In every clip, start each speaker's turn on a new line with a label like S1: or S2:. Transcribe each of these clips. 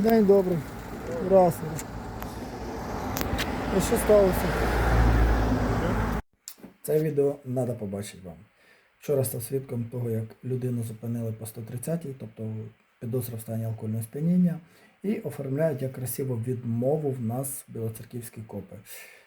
S1: День добрий. Здравствуйте. А що сталося? Це відео треба побачити вам. Вчора став свідком того, як людину зупинили по 130-й, тобто підозра в стані алкогольного сп'яніння, і оформляють як красиво відмову в нас білоцерківські копи.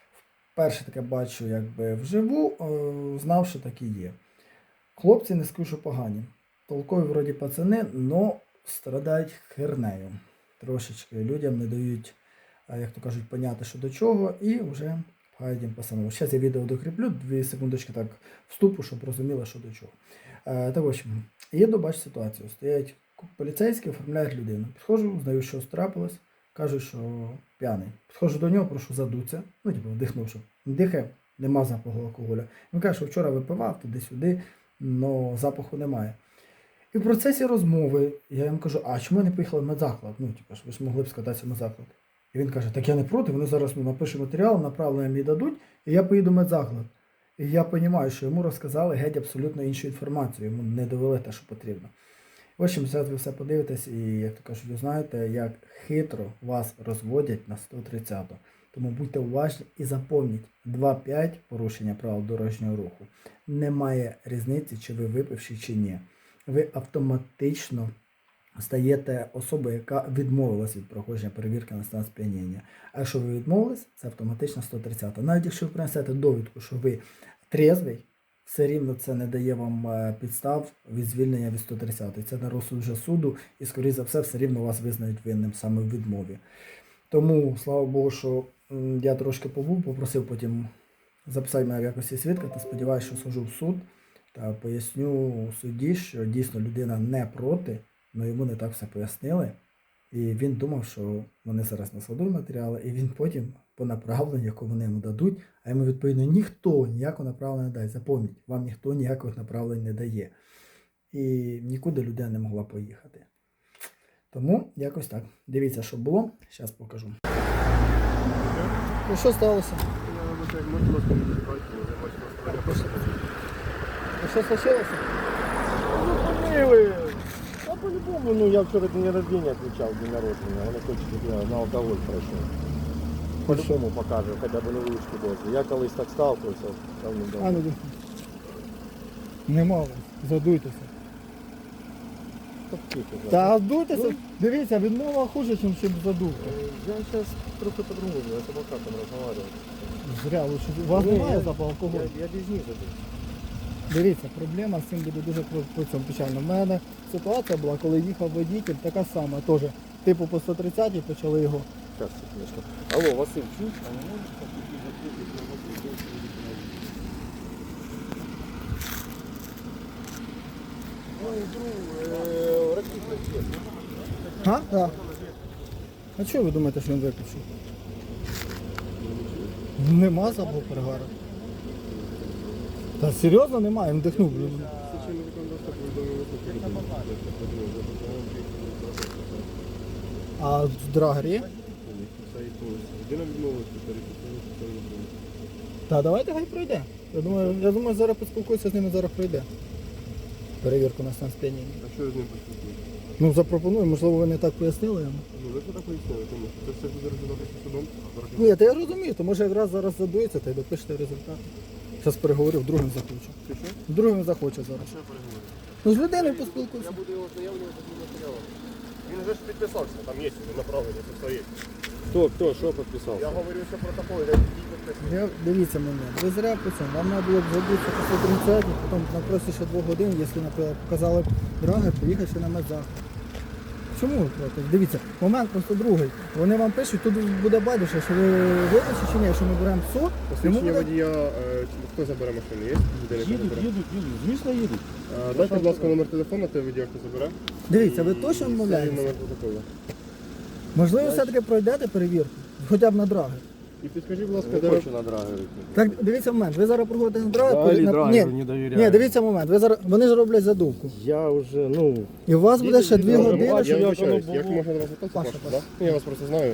S1: Вперше таке бачу якби вживу, знав, що так і є. Хлопці не скажу, що погані. Толкові вроді пацани, но страдають хернею. Трошечки людям не дають, як то кажуть, поняти, що до чого, і вже пхають їм по самому. Зараз я відео докріплю, 2 секундочки так вступу, щоб розуміли, що до чого. Так ось, їду, бачу ситуацію. Стоять поліцейські, оформляють людину. Підходжу, знаю, що трапилось, кажуть, що п'яний. Підходжу до нього, прошу задуться. Ну, типу, вдихнув, що дихає, нема запаху алкоголю. Він каже, що вчора випивав туди-сюди, але запаху немає. І в процесі розмови я йому кажу, а чому не поїхали в медзаклад? Ну, типу, ви ж могли б скататися в медзаклад. І він каже, так я не проти, вони зараз напишуть матеріал, направлення мені дадуть, і я поїду в медзаклад. І я розумію, що йому розказали геть абсолютно іншу інформацію, йому не довели те, що потрібно. В общем, зараз ви все подивитесь і, як то кажуть, ви знаєте, як хитро вас розводять на 130-ту. Тому будьте уважні і запам'ятайте, 2.5 порушення правил дорожнього руху. Немає різниці, чи ви випивші, чи ні. Ви автоматично стаєте особою, яка відмовилась від проходження перевірки на стан сп'яніння. А якщо ви відмовились, це автоматично 130-та. Навіть якщо ви принесете довідку, що ви трезвий, все рівно це не дає вам підстав від звільнення від 130-ї. Це на розсуд вже суду і, скоріше за все рівно вас визнають винним саме в відмові. Тому, слава Богу, що я трошки побув, попросив потім записати мене в якості свідка та сподіваюся, що схожу в суд та поясню судді, що дійсно людина не проти, але йому не так все пояснили. І він думав, що вони зараз наскладуть матеріали, і він потім по направленню, яку вони йому дадуть, а йому відповідно ніхто ніякого направлення не дає. Запам'ятайте, вам ніхто ніяких направлень не дає. І нікуди людина не могла поїхати. Тому якось так. Дивіться, що було. Зараз покажу. Ну що сталося? А що случилося?
S2: Милый. А по-любому, ну я вчера день рождения отмечал, день народження, вони хочуть, щоб я на алкоголь пройшов. По-любому покажу, хоча б невеличку дозу. Я колись так сталкивався,
S1: А ну нема, задуйтеся. Та задуйтеся, дивіться, відмова хуже, ніж задувка.
S2: Я зараз трохи по-другому, я з адвокатом розмовляю.
S1: Зря, лучше. У вас немає запаху алкоголю?
S2: Я без них задую.
S1: Дивіться, проблема з цим буде дуже по цьому печально. У мене ситуація була, коли їхав водитель, така сама, теж. Типу по 130-й почали його.
S2: Зараз, секундочку. Алло, Василь, чуєш? А не можеш так Ой, друг, ракетний.
S1: А? Так. А чого ви думаєте, що він виключив? Нема запаху перегару. Та серйозно немає, він дихнув. А в драгері є? Та давайте хай пройде. Я думаю, зараз поспілкуюся з ними, зараз пройде. Перевірку на стан сп'яніння.
S2: А що з ним поспілкуєтесь?
S1: Ну запропоную, можливо ви не так пояснили йому.
S2: Ну ви так пояснили, тому що це все буде розглядатися судом.
S1: Ні, та я розумію, то може якраз зараз задується та й допишете результат. Зараз переговорю, другим захочу.
S2: Ти що?
S1: Другим захоче зараз.
S2: Що переговорити?
S1: Ну з людиною поспілкуйся.
S2: Я буду його ознайомлювати з цим матеріалом. Він вже ж підписався, там є направлення, це все є. Хто, що підписався? Я говорю, що протокол, я
S1: Дивіться мене, ви зря по цьому. Вам треба було б забутися по 130, потім на прості ще 2 годин, якщо, наприклад, показали драгер, поїхати ще на медзаклад. Чому ви проти? Дивіться, момент просто другий. Вони вам пишуть, тут буде байдуже, що ви випишете чи ні, якщо ми беремо в суд.
S2: Посвідчення водія, хто забере машину, є?
S3: Їдуть, звісно їдуть.
S2: Дайте, будь ласка, номер телефону, той водія, хто забере.
S1: Дивіться, ви точно
S2: І
S1: відмовляєтеся?
S2: номер протоколу.
S1: Можливо, все-таки пройдете перевірку, хоча б на драгер.
S2: І підскажіть, будь ласка,
S3: Не
S2: де
S3: хочу на драгері.
S1: Так, дивіться момент, ви зараз проходите на драгер.
S3: Взагалі
S1: на-
S3: драгеру не довіряю.
S1: ні, дивіться момент, ви зараз, вони ж роблять задувку.
S3: Я вже, ну...
S1: І у вас буде ще 2 години,
S2: Я
S1: щоб...
S2: вибачаюсь,
S3: воно
S2: як
S3: було.
S2: можна до вас звертатися?
S1: Паша,
S2: Паша, да? Ну, я вас просто знаю.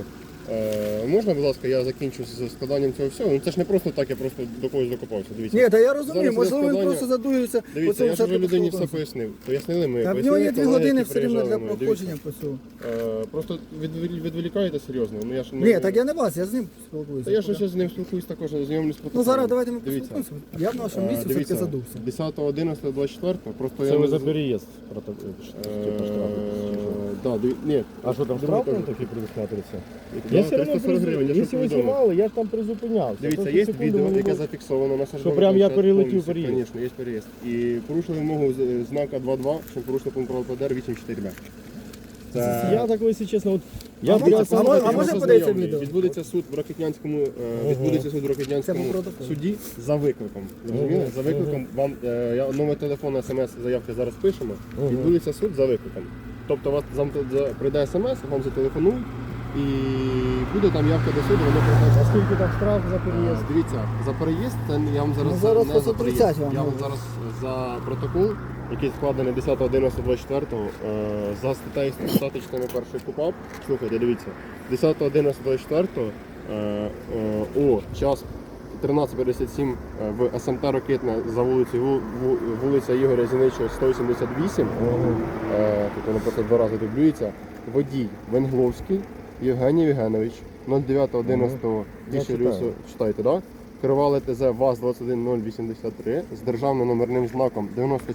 S2: Можна, будь ласка, я закінчу з складанням цього всього? Ну це ж не просто так, я просто до когось докопався. Дивіться.
S1: Ні, та я розумію,
S2: Зараз
S1: можливо, він
S2: складання.
S1: просто задується.
S2: Дивіться, я ж вже людині все пояснив. Пояснили ми.
S1: Та в нього
S2: пояснили
S1: є 2
S2: колеги,
S1: години
S2: які
S1: все рівно для
S2: приїжджали ми.
S1: проходження по цьому.
S2: Дивіться, просто відволікаєте серйозно. Ну, я ж
S1: Ні, так я не вас, я з ним
S2: Та
S1: спілкуюся.
S2: я ж ще з ним спілкуюсь також, знайомлюсь з
S1: Ну
S2: протоколом.
S1: зараз давайте ми
S2: Дивіться.
S1: поспілкуємося. Я в нашому місці все-таки
S2: Дивіться,
S1: задувся.
S2: 10.11.24, просто
S3: Це
S2: я
S3: ви
S2: не
S3: за
S2: з-
S3: переїзд типу штрафу.
S2: Да, ні.
S3: А що там
S2: Друге
S3: штраф
S2: теж.
S3: такий предусматрився?
S2: Да,
S3: Я все одно
S2: 340 гривень, я ж
S3: якщо ви
S2: повідомив.
S3: знімали, я ж там призупинявся.
S2: Дивіться,
S3: Просто
S2: є
S3: секунду
S2: відео,
S3: мені
S2: яке
S3: було-
S2: зафіксовано на сержанті.
S3: прям я перелетів переїзд.
S2: Звісно, є переїзд. І порушили вимогу знака 2.2, що порушили пункт правил ПДР 8.4Б.
S3: Я так, якщо чесно, от
S1: А
S3: я
S1: можна-
S3: біля
S1: а
S3: самого-
S1: можна подивитися
S2: знайомий.
S1: відео?
S2: Відбудеться суд в Рокитнянському,
S1: Це по протоколу.
S2: суді за викликом. Розуміли? За викликом вам номер телефону, смс, заявки зараз пишемо. Відбудеться суд за викликом. Тобто вас прийде смс, вам зателефонують і буде там явка до суду, воно прийде.
S3: А скільки там штраф за переїзд?
S2: Дивіться, за переїзд це я вам зараз,
S1: Ну, зараз
S2: не
S1: по
S2: за переїзд.
S1: 130 вам
S2: Я вам
S1: говорю.
S2: зараз за протокол, який складений 10.11.24, за статтею 100 частини першої КУПАП. Слухайте, дивіться, 10.11.24 о час 13:57 в СМТ Рокитне за вулицею вулиця Ігоря Зіничого 188. Тут воно просто 2 рази дублюється. Водій Венгловський Євгеній Євгенович 09.11.2000, читайте, да? Керували ТЗ ВАЗ-21083 з державним номерним знаком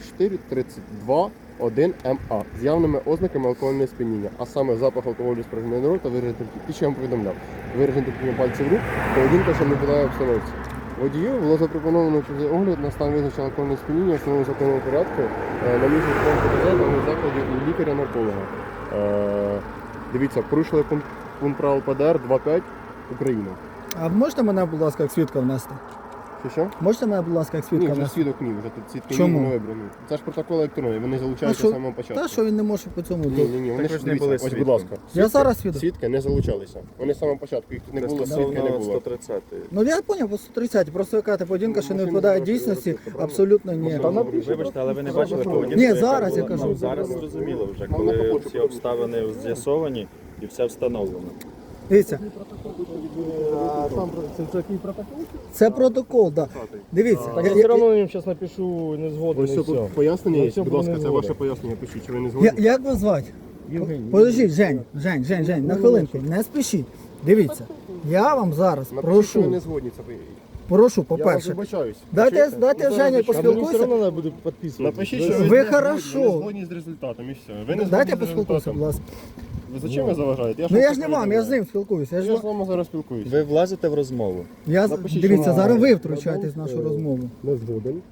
S2: 9432-1МА з явними ознаками алкогольного сп'яніння, а саме запах алкоголю з проживної рота, виражений і ще я вам повідомляв, виражений тільки пальців рук, поведінка, що не подає обстановці. Водію було запропоновано через огляд на стан визначення алкогольного сп'яніння в основному законному порядку на місці ТЗ в закладі у лікаря-нарколога. Дивіться, порушили пункт правил ПДР 2.5 Україна.
S1: А можете мене, будь ласка, як свідка внести?
S2: Що?
S1: Можете мене, будь ласка, як
S2: Ні,
S1: свідка
S2: вже
S1: внести?
S2: свідок ні, вже тут свідки
S1: Чому?
S2: не вибрані. Це ж протокол електронний, вони
S1: А
S2: залучаються
S1: що?
S2: з самого початку.
S1: Та що він не може по цьому
S2: Ні,
S1: бути?
S2: ні, ні, вони
S4: Так
S2: ж
S4: ви ж не
S2: дивіться,
S4: були
S2: ось, будь
S4: свідком.
S2: ласка.
S1: Я зараз свідок.
S2: Свідки не залучалися. Вони з самого початку, їх тут не було, свідки не
S4: Стосовно
S2: було.
S4: 130.
S1: Ну я зрозумів, по 130, просто яка та поведінка, що не відповідає дійсності, абсолютно ні.
S4: Вибачте, але ви не бачили поведінку?
S1: Ні,
S4: яка
S1: зараз
S4: була?
S1: я кажу.
S4: Ну, зараз зрозуміло вже, коли всі обставини з'ясовані і все встановлено.
S1: Дивіться,
S3: Це який протокол?
S1: це протокол, так. Дивіться,
S3: Так я все одно їм зараз напишу не згоден
S2: Ось
S3: і
S2: це
S3: все.
S2: пояснення
S3: Ну,
S2: є,
S3: все
S2: будь
S3: буде
S2: ласка,
S3: не
S2: це
S3: згоден.
S2: ваше пояснення, пишіть, чи ви не згодні.
S1: як вас звати?
S3: Євгеній.
S1: Подождіть, Жень, на хвилинку, не спішіть. Дивіться, я вам зараз
S2: Напишіть, що ви не
S1: прошу,
S2: згодні, це
S1: прошу,
S2: Я вас
S1: по-перше,
S2: вибачаюсь.
S1: дайте
S2: Пишіть.
S1: Жені
S3: А мені все
S1: поспілкуйся.
S3: одно треба буде підписувати.
S2: Напишіть, що
S1: Ви
S2: ви
S1: хорошо.
S2: не згодні з результатом і все. Ви не
S1: Дайте
S2: згодні з
S1: поспілкуйся, будь
S2: результатом.
S1: ласка.
S2: Ви зачем ви заважаєте?
S1: Ну я
S2: вам
S1: ж не
S2: це
S1: вам, я з
S2: повідомляю.
S1: ним спілкуюся.
S2: Я ж з вами зараз спілкуюся.
S4: Ви влазите в розмову.
S2: Напишіть,
S1: Дивіться,
S2: що
S1: зараз
S2: ви
S1: ви втручаєтесь в нашу розмову.
S2: Не згоден.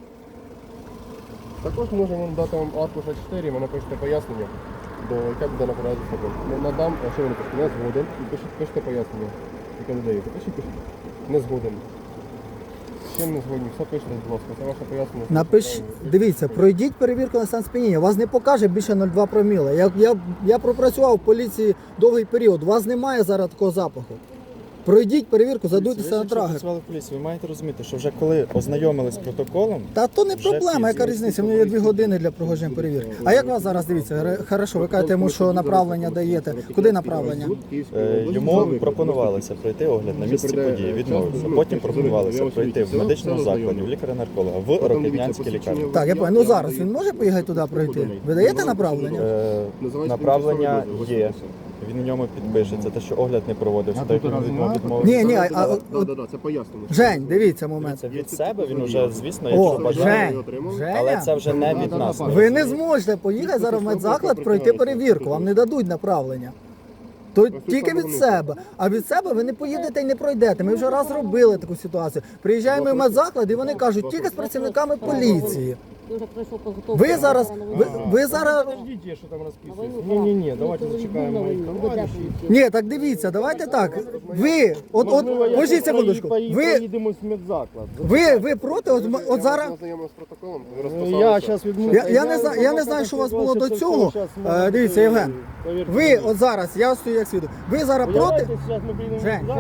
S2: Також можемо дати вам аркуш А4, ви напишете пояснення, до яке буде направляти закон. Надам, а що ви напишете? Не згоден. І пишете пояснення, яке надаєте. Пишіть. Не згоден. З чим не згодні? Все пишете, будь ласка. Це ваше пояснення.
S1: Напиш, дивіться, пройдіть перевірку на стан сп'яніння. Вас не покаже більше 0,2 проміла. Я пропрацював в поліції довгий період. У вас немає зараз такого запаху. Пройдіть перевірку, задуйтеся на
S4: Якщо
S1: трагер.
S4: працювали в поліції, ви маєте розуміти, що вже коли ознайомились з протоколом,
S1: Та то не
S4: Вже
S1: проблема, яка
S4: всі
S1: різниця? У мене є 2 години для проходження перевірки. А як вас зараз дивіться? Хорошо, ви кажете йому, що направлення даєте. Куди направлення?
S4: йому пропонувалося пройти огляд на місці події, відмовився. Потім пропонувалося пройти в медичному закладі, в лікаря-нарколога, в Рокитнянській лікарні.
S1: Так, я пам'ятаю. Ну зараз він може поїхати туди пройти? Ви даєте направлення?
S4: Направлення є. Він у ньому підпишеться, те, що огляд не проводився, то як він відмовився.
S1: Ні,
S2: Так, це пояснення.
S1: Жень, дивіться момент.
S4: Це від себе він уже, звісно,
S1: О,
S4: якщо бажає.
S1: Жень,
S4: Але це
S1: Женя,
S4: вже не від нас.
S1: ви не зможете поїхати зараз в медзаклад пройти перевірку. Вам не дадуть направлення. То тільки від себе. А від себе ви не поїдете і не пройдете. Ми вже раз робили таку ситуацію. Приїжджаємо в медзаклад і вони кажуть, тільки з працівниками поліції. Ви зараз, ви зараз.
S3: Подождіть, я що там розписуюсь. Ні, давайте зачекаємо моїх товаришів.
S1: Ні, так дивіться, давайте так. Ви, пожіть секундочку.
S3: Поїдемо в медзаклад.
S1: Ви проти, от зараз.
S2: Знайомий з протоколом, ви
S3: Я
S2: розписалися.
S3: зараз відмовлюся.
S1: Я не знаю, що у вас було до цього. Дивіться, Євген. Ви от зараз, я стою як свідок. Ви зараз проти.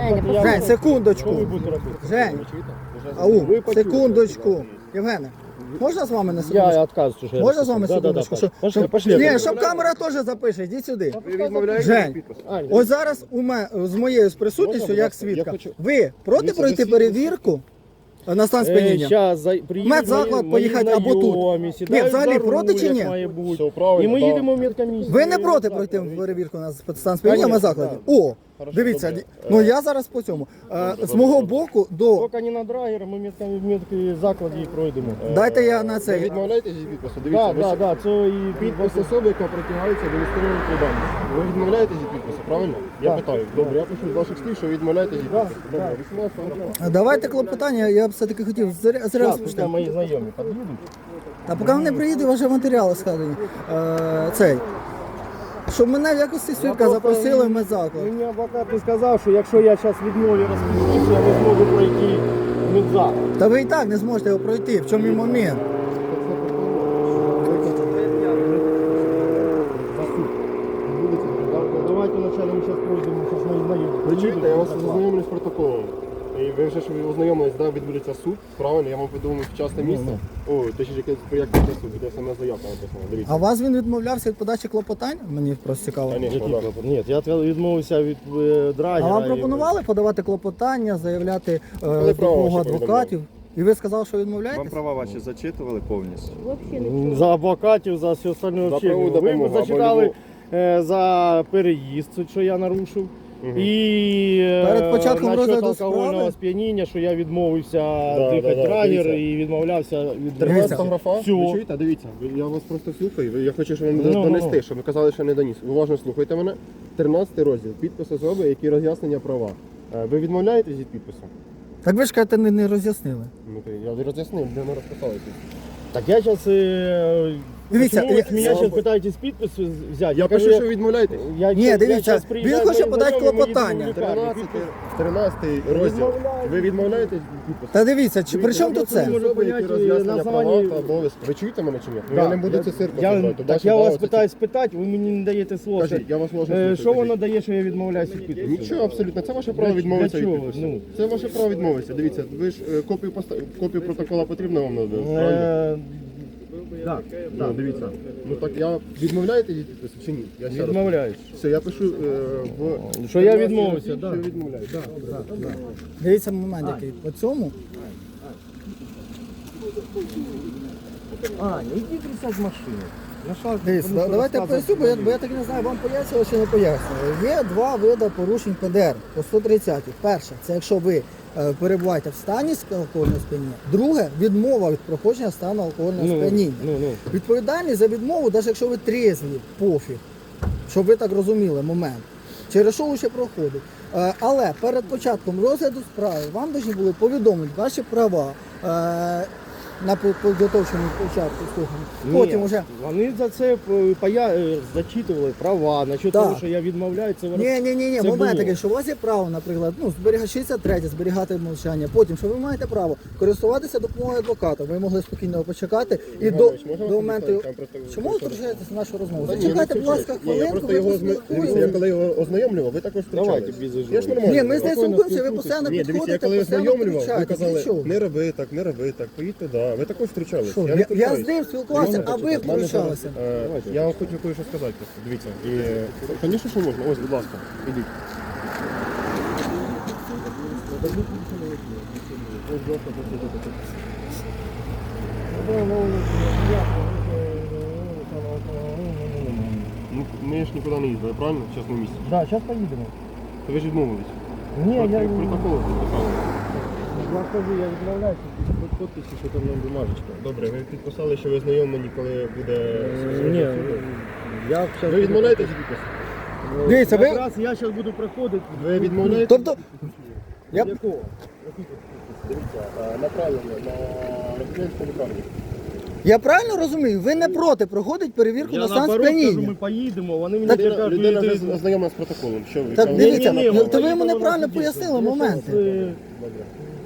S1: Жень, секундочку. Жень, ау, секундочку. Євгене, Можна з вами на
S3: Я
S1: секундочку?
S3: отказываюсь уже.
S1: Можна з вами секундочку? Щоб-
S3: Пошли,
S1: щоб-
S3: пошли.
S1: Ні, щоб камера теж запише, йдіть сюди.
S2: Ви відмовляєте
S1: Жень,
S2: підпис?
S1: ось зараз з моєю присутністю,
S2: Можна, будь
S1: як
S2: ласка? Я
S1: свідка,
S2: хочу-
S1: ви проти
S2: Дивіться,
S1: пройти
S2: ви
S1: перевірку на стан сп'яніння?
S3: Зараз
S1: Медзаклад поїхати або тут. Ні, взагалі проти чи ні?
S2: Все правильно.
S3: І ми
S2: да.
S3: їдемо в медкомісію.
S1: Ви не проти пройти перевірку на стан сп'яніння в
S3: Конечно,
S1: медзакладі? О,
S2: Хорошо,
S1: дивіться,
S2: добре.
S1: ну я зараз по цьому. З мого боку до...
S3: Тільки не на драгер, ми в медзакладі і пройдемо.
S1: Дайте я на
S2: Ви
S1: це.
S2: відмовляєтесь від підпису? Дивіться,
S3: Так,
S2: ви
S3: так, так, це і
S2: підпис особи, яка притягається до військової відповідальності. Ви відмовляєтесь від підпису, правильно? Я
S3: Так.
S2: питаю. Добре, я пишу з ваших слів, що ви відмовляєтесь від підпису. Добре, 18
S1: Давайте клопотання, я б все-таки хотів зря
S3: Зараз
S1: розпочати.
S3: мої знайомі під'їдуть.
S1: А поки вони приїдуть, вже матеріали складені. Цей. Щоб мене в якості свідка запросили в медзаклад.
S3: Мені адвокат не сказав, що якщо я зараз відмовлю розпишуся, я не зможу пройти медзаклад.
S1: Та ви і так не зможете його пройти. В чому і момент?
S3: Давайте вначале ми зараз пройдемо, зараз мої знайомі.
S2: Ви чуєте, я вас ознайомлю з протоколом. І ви вже ж ознайомились, да, відбудеться суд, правильно? Я вам повідомив вчасне місце. О, точніше, як буде суд, буде саме заявка написана.
S1: А
S2: Дивіться.
S1: вас він відмовлявся від подачі клопотань? Мені просто цікаво.
S2: Конечно, да.
S3: Ні, я відмовився від
S1: А
S3: драгера.
S1: вам пропонували подавати клопотання, заявляти
S2: право
S1: допомогу
S2: ваше
S1: адвокатів? І ви сказали, що
S4: Вам
S1: відмовляєтесь?
S4: права ваші зачитували повністю.
S3: За адвокатів, за все остальне
S2: За
S3: взагалі.
S2: правову
S3: Ви
S2: допомогу,
S3: зачитали
S2: або
S3: за переїзд, що я нарушив. І
S1: Перед початком
S3: насчет
S1: розгляду
S3: алкогольного
S1: справи?
S3: сп'яніння, що я відмовився
S2: Да,
S3: дихати
S2: да, да,
S3: драгер
S2: дивіться.
S3: і відмовлявся від
S1: Дивіться.
S2: Фотографа, ви
S3: Всього.
S2: чуєте? Дивіться, я вас просто слухаю. Я хочу, щоб вам
S3: Ну,
S2: донести,
S3: ну.
S2: щоб ви казали, що не доніс. Уважно слухайте мене. 13 розділ. Підпис особи, які роз'яснення права. Ви відмовляєтесь від підпису?
S1: Так ви ж кажете, не роз'яснили.
S2: Ну, я роз'яснив, де ми розписалися.
S3: Так я зараз...
S1: Дивіться,
S3: Почему вы с меня
S2: я-
S3: сейчас пытаетесь підпис взяти?
S2: Я пишу, що відмовляєтесь.
S1: Ні, дивіться, він хоче подати клопотання.
S2: 13 розділ. Ви відмовляєтесь від підпису?
S1: Та дивіться, при чому тут це?
S3: можу
S2: Особи, які
S3: поняти,
S2: роз'яснення
S3: на
S2: права
S3: основанні-
S2: та обов'язки. Ви чуєте мене чи ні? Ну,
S3: Да,
S2: я не буду це цирком
S3: я,
S2: робити.
S3: так
S2: Ваше
S3: я
S2: право
S3: вас
S2: це
S3: питаю спитати, ви мені не даєте слово.
S2: Кажіть, я вас уважно слухаю.
S3: Що воно
S2: кажіть.
S3: дає, що я відмовляюся від підпису?
S2: Нічого абсолютно, це ваше право
S3: Для
S2: відмовитися від
S3: чого?
S2: підпису.
S3: Ну.
S2: Це ваше право відмовитися. Дивіться, ви ж копію протокола потрібно вам надати, правильно?
S3: Так,
S2: Ну, дивіться. Ну так я відмовляєте від підпису чи ні? Я ще раз.
S3: відмовляюсь.
S2: Все, я пишу в...
S3: Що я відмовився,
S2: Що
S3: так.
S2: я відмовляюсь.
S1: Дивіться момент який. По цьому.
S3: Аня, іди присядь в машину.
S1: Дивіться, давайте я поясню, бо я так не знаю, вам пояснювали чи не пояснювали. Є два види порушень ПДР по 130. Перше, це якщо ви перебуваєте в стані алкогольного сп'яніння. Друге, відмова від проходження стану алкогольного сп'яніння. Відповідальність за відмову, навіть якщо ви трезві, пофіг, щоб ви так розуміли момент. Через що лише проходить. Але перед початком розгляду справи вам повинні були повідомити ваші права на підготовчому початку слухання. Потім уже.
S3: Вони за це зачитували права, насчет
S1: Так.
S3: того, що я відмовляюся. Це
S1: Ні,
S3: це
S1: момент
S3: було.
S1: такий, що у вас є право, наприклад, зберігати 63, зберігати мовчання. Потім, що ви маєте право користуватися допомогою адвоката. Ви могли спокійно почекати і до
S2: Іванович, можна вас
S1: моменту.
S2: запитати? Там просто-
S1: Чому ви втручаєтеся в нашу розмову?
S2: Та ні,
S1: Зачекайте,
S2: не
S1: будь ласка,
S2: кричіть. Ні, я
S1: хвилинку,
S2: просто
S1: ви
S2: його
S1: поспілкуєтеся.
S2: я коли його ознайомлював, ви також
S3: Давайте
S2: втручались.
S3: без
S2: Я ж нормально.
S1: Ні, ми з нею
S2: спокійно
S1: спілкуємося, ви
S2: спілкуйтесь.
S1: постійно
S2: Ні, дивіться, я
S1: підходите,
S2: коли
S1: постійно
S2: ознайомлював, ви
S1: включаєтесь.
S2: казали,
S1: Нічого.
S2: не роби так, поїдь туди. Ви також втручались.
S1: Що,
S2: не
S1: я
S2: втручаюсь.
S1: з ним спілкувався, а ви втручалися.
S2: Я вам хочу кое-що сказати просто. Дивіться. І, звісно, що можна. Ось, будь ласка, ідіть. Ну, ми ж нікуди не їздили, правильно? Зараз на місці.
S3: Да, зараз поїдемо.
S2: То ви ж відмовились.
S3: Ні, я
S2: Протокол підписали.
S3: кажу, я відмовляюся.
S2: Підписи, що там на бумажечка. Добре, ви підписали, що ви знайомлені, коли буде...
S3: Ні, я
S2: Ви відмовляєтесь від підпису?
S1: Дивіться, ви.
S3: Якраз я зараз буду проходити.
S2: Ви відмовляєтесь?
S1: Тобто, я-
S3: Якого?
S2: Дивіться, направлено на Рокітнянську лікарню.
S1: я правильно розумію, ви не проти проходити перевірку
S3: Я
S1: на стан
S3: наоборот кажу,
S1: сп'яніння.
S3: ми поїдемо, вони мені
S1: Так,
S3: кажуть,
S2: Людина
S3: ти-
S2: вже ознайомлена з протоколом. Що ви?
S1: Так,
S2: Там
S1: дивіться,
S2: є
S1: ну,
S2: направлено?
S1: то ви йому
S3: поїдемо
S1: неправильно
S3: на
S1: пояснили
S3: суддівство.
S1: моменти.
S3: Я щас,
S2: Добре.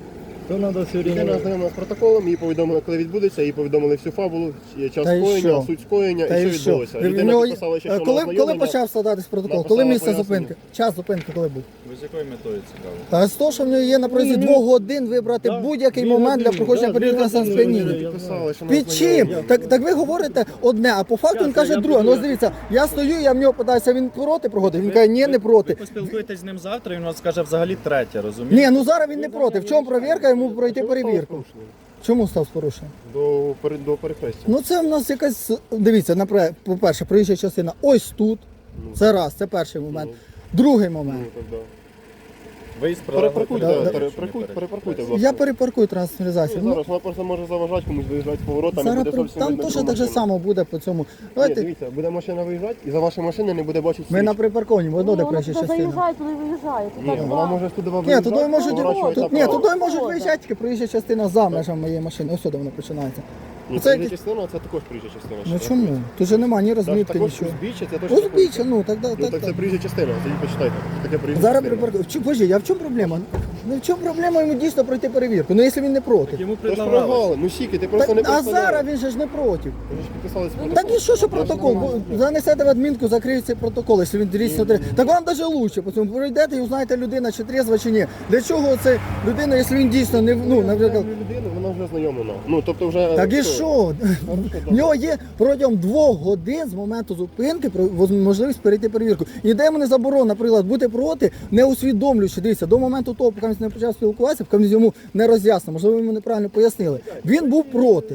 S3: То треба все
S2: Людина
S3: время...
S2: ознайомилася з протоколом, її повідомили, коли відбудеться, їй повідомили всю фабулу, час
S1: Та й що?
S2: скоєння, суть скоєння
S1: Та
S2: і
S1: й
S2: що
S1: що?
S2: відбулося.
S1: В
S2: Людина
S1: нього-
S2: підписала ще, що
S1: коли,
S2: на
S1: коли
S2: ознайомлення.
S1: почав складатись протокол?
S2: написала
S1: Коли місце
S2: пояснення.
S1: зупинки? Час зупинки коли був?
S4: Ви з якою метою цікаво?
S1: Та з того, що в нього є на протязі 2 годин вибрати
S3: Да,
S1: будь-який
S3: 2
S1: момент для
S3: години,
S1: проходження
S3: да, 2
S1: перевірки на
S3: години,
S1: сп'яніння.
S3: я
S2: Підписали, що на
S1: Під чим?
S2: ознайомлення.
S1: Так ви говорите одне, а по факту він каже
S3: я
S1: друге.
S3: буду-
S1: Ну дивіться, я стою, я в нього питаюся, він проти проходить. Він каже, ні, не
S4: Ви
S1: проти.
S4: поспілкуєтесь з ним завтра, він вам скаже взагалі третє, розумієте?
S1: Ні, ну зараз він не проти. В чому перевірка, йому пройти перевірку. Чому став з порушенням?
S2: До перехрестя.
S1: Ну це в нас якась, дивіться, по-перше, проїжджа частина ось тут. Це раз, це перший момент. Другий момент.
S2: Ну, так, да.
S4: Виїзд
S2: Перепаркуйте,
S1: Да,
S2: да,
S1: да.
S2: перепаркуйте, будь ласка.
S1: Я перепаркую транспортну
S2: Ну,
S1: засіб. Ну,
S2: зараз вона просто може заважати комусь виїжджати з поворотами,
S1: зараз
S2: буде зовсім
S1: там
S2: видно
S1: теж
S2: другу
S1: так же
S2: машину.
S1: само буде по цьому.
S2: Ні,
S1: Давайте,
S2: дивіться, буде машина виїжджати і за вашою машиною не буде бачити
S1: ми на
S2: світ.
S1: припарковані, одно де
S5: Вона
S1: проїжджа
S5: туди
S1: частина.
S5: заїжджає, туди виїжджає. Тут
S2: Ні,
S5: так
S2: вона
S5: два.
S2: може туди вам
S1: Ні, туди
S2: виїжджати,
S1: можуть,
S2: поворачувати
S1: ні,
S2: направо.
S1: туди можуть
S5: Шкода.
S1: виїжджати, тільки проїжджа частина за межами моєї машини. Ось сюди вона починається.
S2: Ні,
S1: Це
S2: це
S1: якийсь-
S2: частина, це також приїжджа частина.
S1: Ну чому? Тут же немає ні розмітки,
S2: Також
S1: нічого.
S2: узбіччя, це точно.
S1: Узбіччя, ну так,
S2: Ну так це приїжджа частина, тоді почитайте. Таке приїжджа
S1: Зараз
S2: частина.
S1: припаркую. Боже, а в чому проблема? Ну в чому проблема йому дійсно пройти перевірку? Ну якщо він не проти.
S4: Йому
S2: Тож
S4: предлагали.
S2: прогали, ну сіки, ти просто
S1: Так,
S2: не
S1: а
S2: представляєш.
S1: зараз він же ж не проти.
S2: Ви ж підписались протокол.
S1: Так і що протокол? Занесете в адмінку, закриється протокол, якщо він дійсно треба. Так вам навіть лучше, по цьому пройдете і узнаєте, людина чи трезва, чи ні. Для чого це людина, якщо він дійсно не, ну, наприклад,
S2: Людина, вона вже знайомлена. Ну, тобто вже...
S1: так і що? В нього є протягом 2 годин з моменту зупинки можливість перейти перевірку. І ніде йому не заборонено, наприклад, бути проти, не усвідомлюючи, дивіться, до моменту того, поки він не почав спілкуватися, поки він йому не роз'яснив, можливо, йому неправильно пояснили. Він був проти.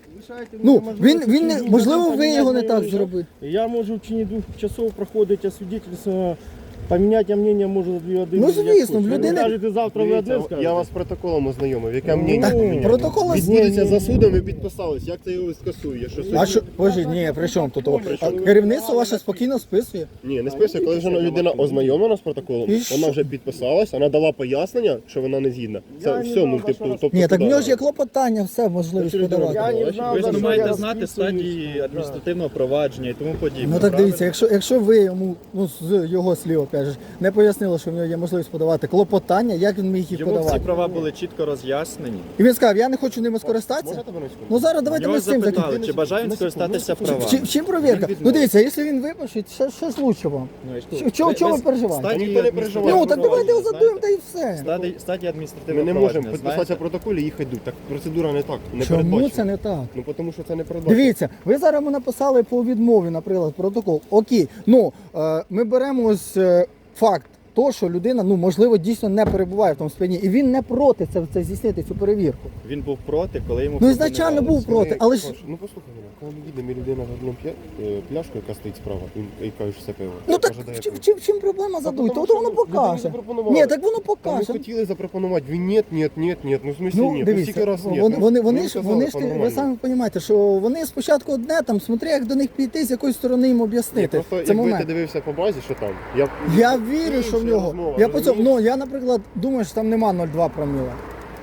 S1: Ну, він не, можливо, ви його не так зробили.
S3: Я можу в течение 2 часов проходити освідчительство, поміняти мнення можу за 2 години.
S1: Ну, звісно, в людини-
S3: Кажете, завтра ви
S2: Дивіться,
S3: одне скажете.
S2: я вас з протоколом ознайомив, яке мнення
S1: Так,
S2: поміняли.
S1: протокол
S2: Відбудеться за судом, ви підписались. Як це його скасує? Що суд-
S1: А що, боже, ні, при чому тут? А керівництво ваше спокійно списує.
S2: Ні, не списує, коли вже людина ознайомлена з протоколом,
S1: І що?
S2: вона вже підписалась, вона дала пояснення, що вона не згідна. Це все, ну, типу, тобто...
S1: Ні, так в
S2: куди?
S1: нього ж є клопотання, все можливість
S2: Через
S1: подавати.
S2: дорогу.
S3: Я не знав,
S4: Ви ж
S3: за
S4: не
S3: що
S4: маєте
S3: я
S4: знати
S3: розписуюсь.
S4: стадії адміністративного провадження і тому подібне.
S1: Ну так
S4: правильно?
S1: дивіться, якщо ви йому, ну з його слів, опять же, не пояснили, що в нього є можливість подавати клопотання, як він міг їх
S4: Йому всі
S1: подавати?
S4: права були чітко роз'яснені.
S1: І він сказав, я не хочу ними скористатися.
S2: Можна тебе на секунду?
S1: Ну зараз давайте
S4: Його
S1: ми з цим
S4: запитали,
S1: закінчимо.
S4: чи бажає він скористатися правами.
S1: В чим перевірка? Ну дивіться, якщо він випишить, що ж лучше вам?
S4: Ну, і що?
S1: Чого ви переживаєте?
S2: Та ніхто не переживає.
S1: Ну так давайте його
S4: знаєте?
S1: задуємо та і все.
S4: Стадії
S2: Ми
S4: адміністративного
S2: не можемо
S4: провадження,
S2: підписатися
S4: знаєте?
S2: в протоколі і їх йдуть. Так процедура не так, не
S1: Чому
S2: передбачена.
S1: це не так?
S2: Ну тому що це не передбачено.
S1: Дивіться, ви зараз йому написали по відмові, наприклад, протокол. Окей, ну ми беремо ось факт. То, що людина, ну можливо, дійсно не перебуває в тому сп'янінні, і він не проти це здійснити цю перевірку.
S4: Він був проти, коли йому
S1: Ну ізначально був проти, але ж
S2: Ну послухай мене, коли ми їдемо, і людина за одну пляшку, яка стоїть справа, і каже, що це пиво.
S1: ну так
S2: Каже, дай
S1: в
S2: пиво.
S1: чим проблема задуй?
S2: тому
S1: То
S2: що
S1: воно
S2: людині
S1: покаже.
S2: запропонували.
S1: Ні, так воно
S2: Та ми
S1: покаже.
S2: хотіли запропонувати, він ні, ну в смислі
S1: Ну
S2: ні,
S1: дивіться,
S2: стільки раз ні.
S1: вони ж ви самі розумієте, що вони спочатку одне там, смотри, як до них підійти, з якої сторони їм об'яснити.
S2: Просто
S1: Це
S2: якби ти
S1: момент.
S2: дивився по базі, що там,
S1: Я вірю, що в
S2: інша
S1: нього.
S2: розмова,
S1: Я по цьому,
S2: розумієш?
S1: ну я, наприклад, думаю, що там нема 0,2 проміла.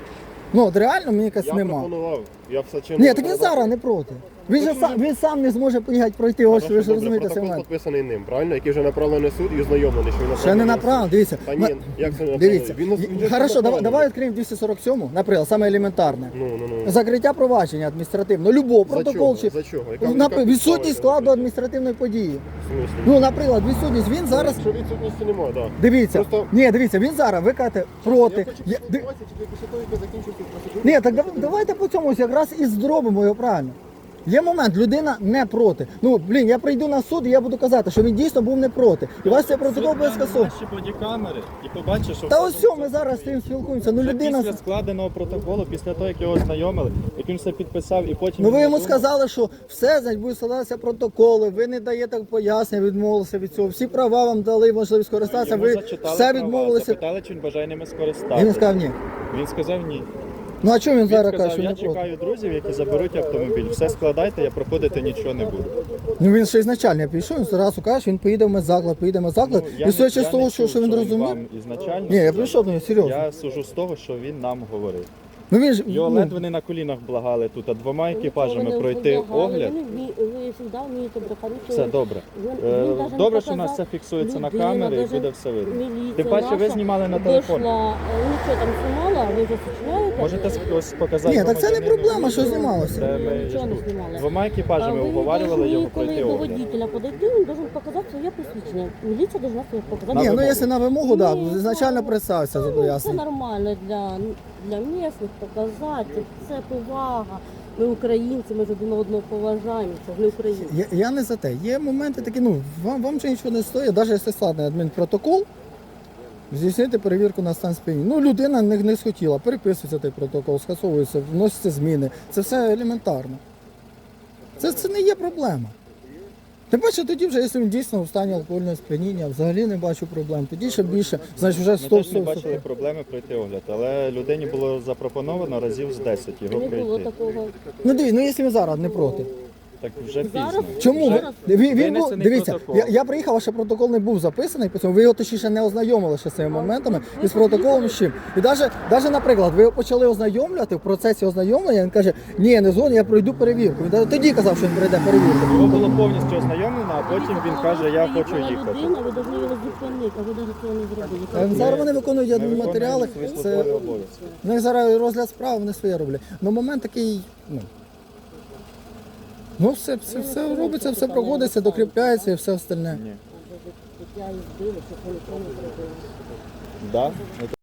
S1: Ну, от реально мені якось
S2: я
S1: нема.
S2: пропонував, я все чинно.
S1: Ні, так він зараз не проти. Він сам не зможе поїхати пройти, ось ви ж розумієте цей
S2: Протокол
S1: момент.
S2: підписаний ним, правильно? Який вже направлений в суд і ознайомлений, що він
S1: Ще не
S2: направлений в суд.
S1: направлено, дивіться.
S2: Та ні, як це не
S1: Дивіться,
S2: направлений? Він ж
S1: хорошо,
S2: направлений.
S1: давай відкриємо 247, наприклад, саме елементарне.
S2: Ну.
S1: Закриття провадження адміністративного, любого
S2: За
S1: протокол
S2: чого?
S1: чи
S2: За чого?
S1: відсутність складу адміністративної події.
S2: В смислі?
S1: Ну, наприклад, відсутність, він зараз.
S2: Якщо відсутності немає, так.
S1: Дивіться,
S2: Просто-
S1: ні, дивіться, він зараз, ви кажете, проти.
S2: Я хочу спілкуватися, тільки після того, як я закінчу цю процедуру.
S1: Ні, так давайте по цьому якраз і зробимо його правильно. Є момент, людина не проти. Ну, блін, я прийду на суд і я буду казати, що він дійсно був не проти. І у вас цей протокол буде скасований.
S4: Наші бодікамери і побачиш, що
S1: Та
S4: все
S1: ось
S4: було
S1: що ми зараз з цим спілкуємося. Ну
S4: Вже
S1: людина.
S4: після складеного протоколу, після того, як його ознайомили, як він все підписав і потім...
S1: Ну ви
S4: він
S1: йому
S4: надумав.
S1: сказали, що все, значить, будуть складатися протоколи, ви не даєте пояснення, відмовилися від цього. Всі права вам дали можливість скористатися,
S4: Йому
S1: ви
S4: зачитали
S1: все
S4: права,
S1: відмовилися.
S4: запитали, чи він бажає ними
S1: І
S4: скористатися.
S1: він сказав ні.
S4: Він сказав ні.
S1: Ну а чому він
S4: Він
S1: зараз каже,
S4: сказав,
S1: що
S4: я
S1: не проти?
S4: чекаю друзів, які заберуть автомобіль. Все складайте, я проходити нічого не буду.
S1: Ну він ще ізначально пішов, він одразу каже, що він поїде в медзаклад, поїде в медзаклад.
S4: Ну,
S1: І судячи з
S4: я
S1: того,
S4: не
S1: що
S4: чув,
S1: він
S4: що
S1: розумів.
S4: вам ізначально
S1: Ні, я
S4: сказав.
S1: прийшов до нього, серйозно.
S4: Я сужу з того, що він нам говорив.
S1: Ну він ж
S4: Його
S1: ну,
S4: ледве не на колінах благали тут, а двома екіпажами
S5: Нікого не
S4: пройти
S5: вибігали,
S4: огляд.
S5: Ви завжди вмієте брехати.
S4: Все добре. Добре, що у нас все фіксується на камері і буде все видно. Тим паче ви знімали на телефон.
S5: Нічого там знімала, ви вже сочиняєте.
S4: Можете ось показати.
S1: Ні, так це не
S4: громадянину
S1: проблема, що
S4: відео,
S1: знімалося.
S4: де ми
S5: Нічого не знімали.
S4: двома екіпажами уговарювали його пройти
S5: Коли до
S4: огляд.
S5: водителя подойти, він должен показати своє посвідчення. Міліція должна своє показати.
S1: Ні, ну
S4: вимогу.
S1: якщо на вимогу, так,
S5: Ні,
S1: ізначально
S5: ну,
S1: представився,
S5: Це
S1: зобов'язаний.
S5: нормально для місцевих показати. Це повага. Ми українці, ми ж один одного поважаємо. Це ж не українці.
S1: Я не за те. Є моменти такі, ну, вам же нічого не стоїть, навіть якщо складний адмінпротокол, здійснити перевірку на стан сп'яніння. Ну, людина не схотіла, переписується той протокол, скасовується, вносяться зміни. Це все елементарно. Це не є проблема. Тим паче тоді вже, якщо він дійсно в стані алкогольного сп'яніння, взагалі не бачу проблем. Тоді ще більше, значить вже
S4: Ми
S1: 100
S4: теж не бачили проблеми пройти огляд, але людині було запропоновано разів з 10 його
S5: Не було
S4: пройти.
S5: такого.
S1: Ну дивіться, ну якщо він зараз не проти.
S4: Так вже
S5: Зараз?
S4: пізно.
S1: Чому?
S5: Зараз
S1: Він був,
S4: винесений
S1: дивіться,
S4: протокол.
S1: я приїхав, а ще протокол не був записаний, по цьому ви його точніше не ознайомили ще з цими моментами і з протоколом з чим. І навіть, наприклад, ви його почали ознайомлювати, в процесі ознайомлення, він каже, ні, не згоден, я пройду перевірку. Він навіть тоді казав, що він пройде перевірку.
S4: Його було повністю ознайомлено, а потім він каже, я хочу їхати.
S5: Людина, ви повинні його зупинити, а ви навіть цього не зробили.
S1: Зараз вони виконують
S4: Ми
S1: адмінматеріали,
S4: виконуємо свої
S1: це
S4: службові обов'язки.
S1: в них зараз розгляд справи, вони своє роблять. Ну момент такий, ну все робиться, все проводиться, докріпляється і все остальне.
S4: Ні.
S5: Я їх збила, щоб вони цього не зробили.
S4: Да?